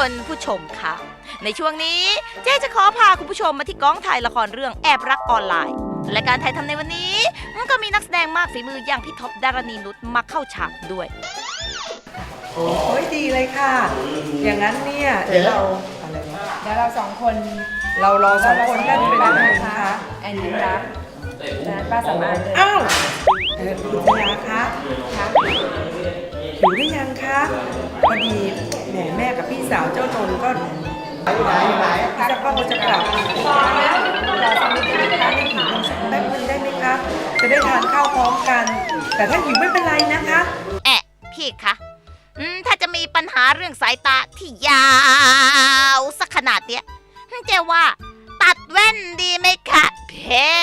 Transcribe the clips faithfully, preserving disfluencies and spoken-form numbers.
คุณผู้ชมค่ะในช่วงนี้เจ๊จะขอพาคุณผู้ชมมาที่กองถ่ายละครเรื่องแอบรักออนไลน์และการถ่ายทำในวันนี้ก็มีนักแสดงมากฝีมืออย่างพี่ท็อปดารณีนุชมาเข้าฉากด้วยโอ้ยดีเลยค่ะอย่างนั้นเนี่ยเดี๋ยวเราอะไรนะเดี๋ยวเราสองคนเรารอสองคนกันเป็นยังไงคะแอนยิ้มรักนะป้าสามารถเลยอ้าวเออคุณชยาคะคะหิวหรือยังคะพอดีแหมแม่กับพี่สาวเจ้านนท์ก็ไหนไหนจะก็จะกลับพอแล้วรอสักนิดนึงนะคะหิวสักแป๊บนึงได้ไหมคะจะได้ทานข้าวพร้อมกันแต่ถ้าหิวไม่เป็นไรนะคะแอะพี่คะอืมถ้าจะมีปัญหาเรื่องสายตาที่ยาวสักขนาดเนี้ยเจ๊ว่าตัดแว่นดีไหมคะเพ่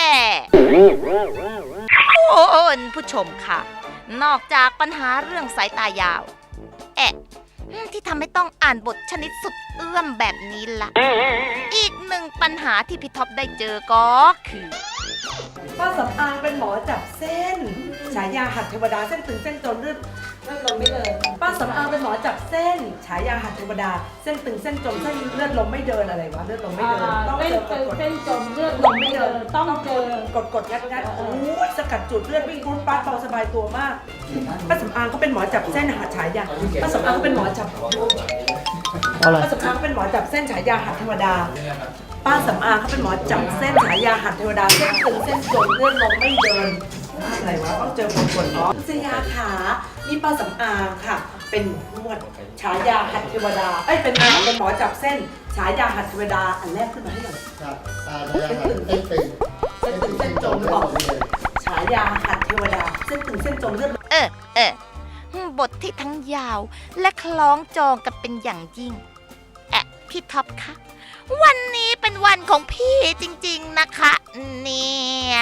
คุณผู้ชมค่ะนอกจากปัญหาเรื่องสายตายาวแอะที่ทำให้ต้องอ่านบทชนิดสุดเอื้อมแบบนี้ละอีกหนึ่งปัญหาที่พี่ท็อปได้เจอก็คือป้าสำอางเป็นหมอจับเส้นฉายาหัดเทวดาเส้นตึงเส้นจนเลือดเลือดลมไม่เดินป้าสำอางเป็นหมอจับเส้นฉายาหัดเทวดาเส้นตึงเส้นจมเส้นเลือดลมไม่เดินอะไรวะเลือดลมไม่เดินต้องเจอกดเส้นจมเลือดลมไม่เดินต้องเจอกดกดงัดงัดโอ้ยสกัดจุดเลือดวิ่งรุดป้าเบาสบายตัวมากป้าสำอางเขาเป็นหมอจับเส้นหัดฉายาป้าสำอางเขาเป็นหมอจับป้าสำอางเขาเป็นหมอจับเส้นฉายาหัดเทวดาป้าสำอางเขาเป็นหมอจับเส้นฉายาหัดเทวดาเส้นตึงเส้นจมเลือดลมไม่เดินอะไรวะต้องเจอคนคนอ๋อเสียขานี่ป้าสำอางค่ะเป็นนวดฉายาหัดเทวดาเอ้ยเป็นเป็นหมอจับเส้นฉายาหัดเทวดาอันแรกขึ้นมาให้หน่อยครับเส้นตึงเส้นตึงเส้นตึงเส้นจมบอกฉายาหัดเทวดาเส้นตึงเส้นจมเลือดเออเออบทที่ทั้งยาวและคล้องจองกันเป็นอย่างยิ่งแอะพี่ท็อปคะวันนี้เป็นวันของพี่จริงๆนะคะเนี่ย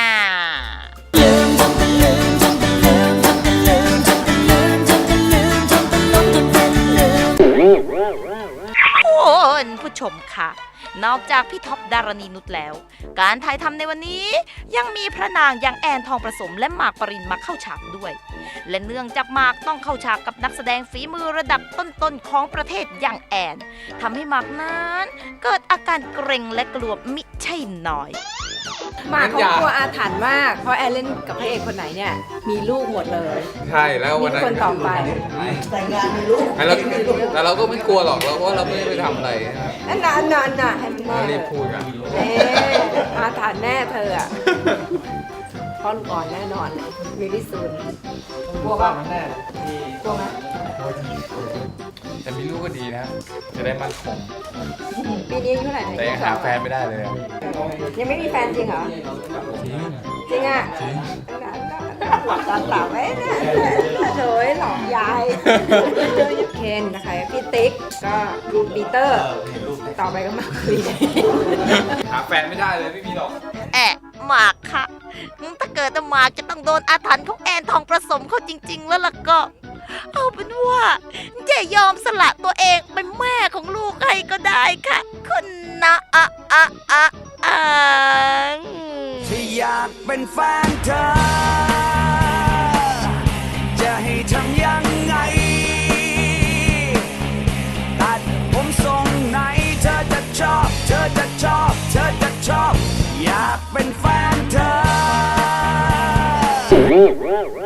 คุณผู้ชมค่ะนอกจากพี่ท็อปดารณีนุชแล้วการถ่ายทำในวันนี้ยังมีพระนางอย่างแอนทองประสมและหมากปรินมาเข้าฉากด้วยและเนื่องจากหมากต้องเข้าฉากกับนักแสดงฝีมือระดับต้นๆของประเทศอย่างแอนทำให้หมากนั้นเกิดอาการเกร็งและกลัวมิใช่น้อยหมากเขากลัวอาถรรพ์มากเพราะแอนเล่นกับพระเอกคนไหนเนี่ยมีลูกหมดเลยใช่แล้ววันนั้นคนต่อไปแต่งงานมีลูกแต่เราก็ไม่กลัวหรอกเพราะเราไม่ได้ไปทำอะไรนั่นน่ะนั่นน่ะให้มันแน่รีบพูดกันเอออาถรรพ์แน่เธออ่ะพ่อลูกอ่อนแน่นอนเลยมีพิสูจน์กลัวป่ะแน่กลัวไหมแต่มีลูกก็ดีนะจะได้มั่นคงปีนี้อายุเท่าไหร่แต่ยังหาแฟนไม่ได้เลยยังไม่มีแฟนจริงเหรอจริงจริงอ่ะจริงหลับตาตาไว้นะโถยหลอกยายเคนนะคะพี่ติ๊กก็รูปีเตอร์ต่อไปก็มาคุยหาแฟนไม่ได้เลยไม่มีหรอกแอะหมากค่ะถ้าเกิดหมากจะต้องโดนอาถรรพ์ของแอนทองประสมเขาจริงๆแล้วล่ะก็เอาเป็นว่าเจยอมสละตัวเองเป็นแม่ของลูกให้ก็ได้ค่ะคุณนะอะอะอะอะที่อยากเป็นแฟนเธอจะให้ทำยังไงตัดผมทรงไหนเธอจะชอบเธอจะชอบเธอจะชอบอยากเป็นแฟนเธอ